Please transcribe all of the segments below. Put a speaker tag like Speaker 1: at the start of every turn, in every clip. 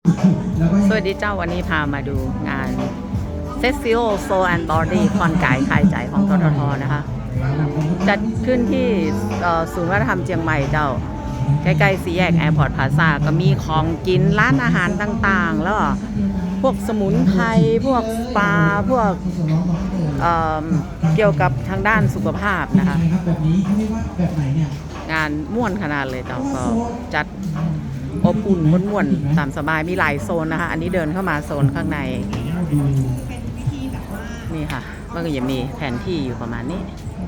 Speaker 1: สวัสดีเจ้าวันนี้พามาดูงาน Festival Soul and Body คอนกายคลายใจของทททนะคะจัดขึ้นที่ศูนย์วัฒนธรรมเชียงใหม่เจ้าใกล้ๆสี่แยกแอร์พอร์ตพลาซ่าก็มีของกินร้านอาหารต่างๆแล้วก็พวกสมุนไพรพวกสปาพวกเกี่ยวกับทางด้านสุขภาพนะคะงานม่วนขนาดเลยเจ้าก็จัดอบอุ่นม่วนๆตามสบายมีหลายโซนนะคะอันนี้เดินเข้ามาโซนข้างในนี่ค่ะมันก็จะมีแผนที่อยู่ประมาณนี้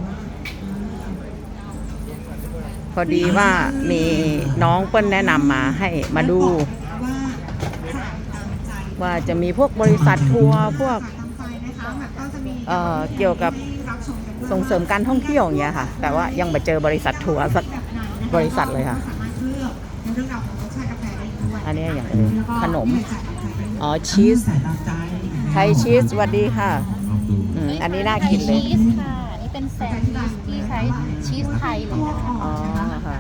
Speaker 1: พอดีว่ามีน้องเปิ้ลแนะนำมาให้มาดูว่าจะมีพวกบริษัททัวร์พวกเกี่ยวกับส่งเสริมการท่องเที่ยวอย่างเงี้ยค่ะแต่ว่ายังไม่เจอบริษัททัวร์สักบริษัทเลยค่ะอันนี้อย่างขนมชีสไทยชีสสวัสดีค่ะอันนี้น่ากินเลย
Speaker 2: ชีสค่ะนี่เป็นแซนด์วิชที่ใช้ชีสไทยเลยนะคะ
Speaker 1: อ๋อค่ะ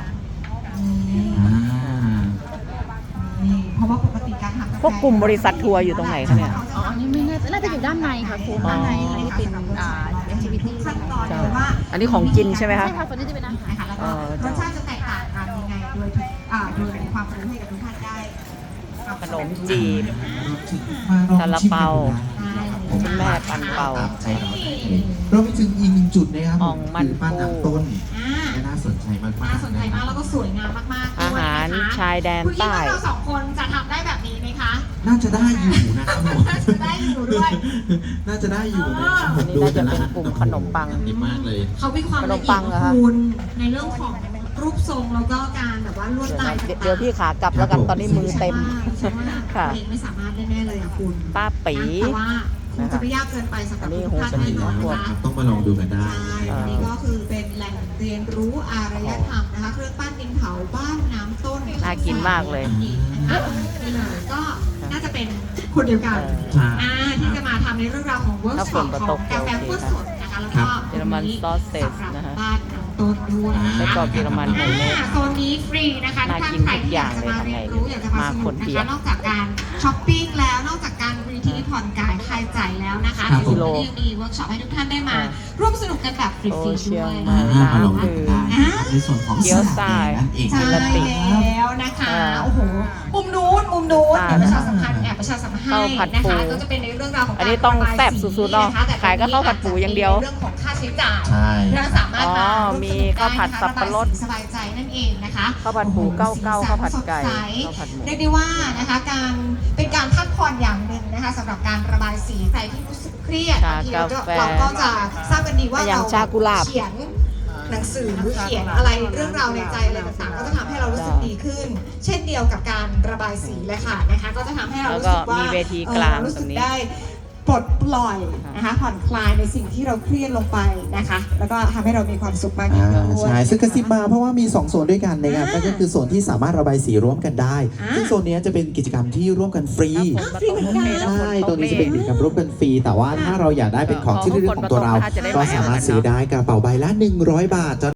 Speaker 3: เพราะว่าปกติการทำ
Speaker 1: พวกกลุ่มบริษัททัวร์อยู่ตรงไหนคะเนี่ย
Speaker 2: อ๋ออันนี้ไม่น่าจะอยู่ด้านในค่ะคุณด้านในนี่เป็นactivity
Speaker 3: ขั้นตอนเลยว่า
Speaker 1: อันนี้ของกินใช่ไหมคะ
Speaker 2: ใช่ค่ะคนนี้จะเป็นอาหาร
Speaker 3: นะคะแล้วก็รสชาติจะแตกต่างกันยังไงโดยมีความรู้ให้กับทุกท่านได้
Speaker 1: ขนมจีบซาลาเปาคุณแม่ปันเปา
Speaker 4: เราไปถึงอีกหนึ่งจุดนะครับ
Speaker 1: อ่องมันปู
Speaker 4: ต้นน่าสนใจมาก
Speaker 3: น่าสนใจมากแล้วก็สวยงามมากๆ
Speaker 1: อาหารชายแดนใต้
Speaker 3: คุณคิดว่าเราสองคนจะทำได้แบบนี้ไหมคะ
Speaker 4: น่าจะได้อยู่นะครับผม
Speaker 3: น่าจะได้อยู่ด้วย
Speaker 4: น่าจะได้อยู่นะครับ
Speaker 1: อันนี้น่าจะเป็นกลุ่มขนมปัง
Speaker 4: ดีมากเลย
Speaker 3: เขามีความละเอียดคุณในเรื่องของรูปทรงแล้วก็การแบบว่าลวดลาย
Speaker 1: เดี๋ยวพี่ขากลับแล้วกันตอนนี้มือเต็ม
Speaker 3: ค่ะเองไม่สามารถได้แน่เลยคุณ
Speaker 1: ป้าปี
Speaker 3: แต่ว่าคงจะไม่ยากเกินไปสำหรับทุกท่านแน่นอนนะคะ
Speaker 4: ต้องมาลองดูกันได้
Speaker 3: อันนี้ก็คือเป็นแหล่งเรียนรู้อารยธรรมนะคะเครื่องปั้นดินเผาบ้านน้ำต้น
Speaker 1: น่ากินมากเลย
Speaker 3: นี่เลยก็น่าจะเป็นคนเดียวกันที่จะมาทำในเรื่องราวของเวิร์กช็อปของกาแฟคั่วสดนะคะแล้วก็
Speaker 1: เยอรมันซอสเซสนะคะ
Speaker 3: บ้านน้ำต้นด้วย
Speaker 1: แล้วก็เยอรมันโฮมเมด
Speaker 3: โซนนี้ฟรีนะคะทุกท่านใครที่อยากจะมาเรียนรู้อยากจะมาสนุกนะคะนอกจากการช้อปปิ้งแล้วนอกจากการรีทรีตผ่อนกายคลายใจแล้วนะคะในส่วนนี้ยังมีเวิร์กช็อปให้ทุกท่านได้มาร่วมสนุกกันแบบฟรีๆด้วย
Speaker 4: ในส่วนของ
Speaker 1: เกี๊ยวซ่า
Speaker 3: ใช่แล้วนะคะโอ้โหมุมนู้นเดี๋ยวประชาสัมพันธ์ประชาสัมพันธ์ให้นะคะก็จะเป็นในเรื่องราวของ
Speaker 1: อันนี้ต้องแซ่บสุดๆเนาะขายก็ข้าวผัดปูอย่างเดียว
Speaker 3: เรื่องของค่าใช้จ่าย
Speaker 4: เรา
Speaker 3: สามารถมา
Speaker 1: มีข้าวผัดสับปะรด
Speaker 3: สบายใจนั่นเองนะคะ
Speaker 1: ข้าวผัดปูเก้าข้าวผัดไก่ข้าวผัดหมู
Speaker 3: เรียกได้ว่านะคะการเป็นการพักผ่อนอย่างหนึ่งนะคะสำหรับการระบายสีใครที่รู้สึกเครียดเราก็จะทราบกันดีว่าเราเขียนหนังสือเขียนอะไรเรื่องราวในใจอะไรต่างๆก็จะทำให้เรารู้สึกดีขึ้นเช่นเดียวกับการระบายสีเลยค่ะนะคะก็จะทำให้เรารู้สึกว่ารู้สึกได้ปลดปล่อยนะคะผ่อนคลายในสิ่งที่เราเครียดลงไปนะคะแล้วก็ทำให้เรามีความสุขมากยิ่งขึ้น
Speaker 4: ใช่ซึ่งกระซิบมาเพราะว่ามี2โซนด้วยกันนะครับนั่นก็คือโซนที่สามารถระบายสีร่วมกันได้ซึ่งโซนนี้จะเป็นกิจกรรมที่ร่วมกันฟรีใช่ตรงนี้จะเป็นกิจกรรมร่วมกันฟรีแต่ว่าถ้าเราอยากได้เป็นของที่ระลึกของตัวเราก็สามารถซื้อได้กระเป๋าใบละ100 บาท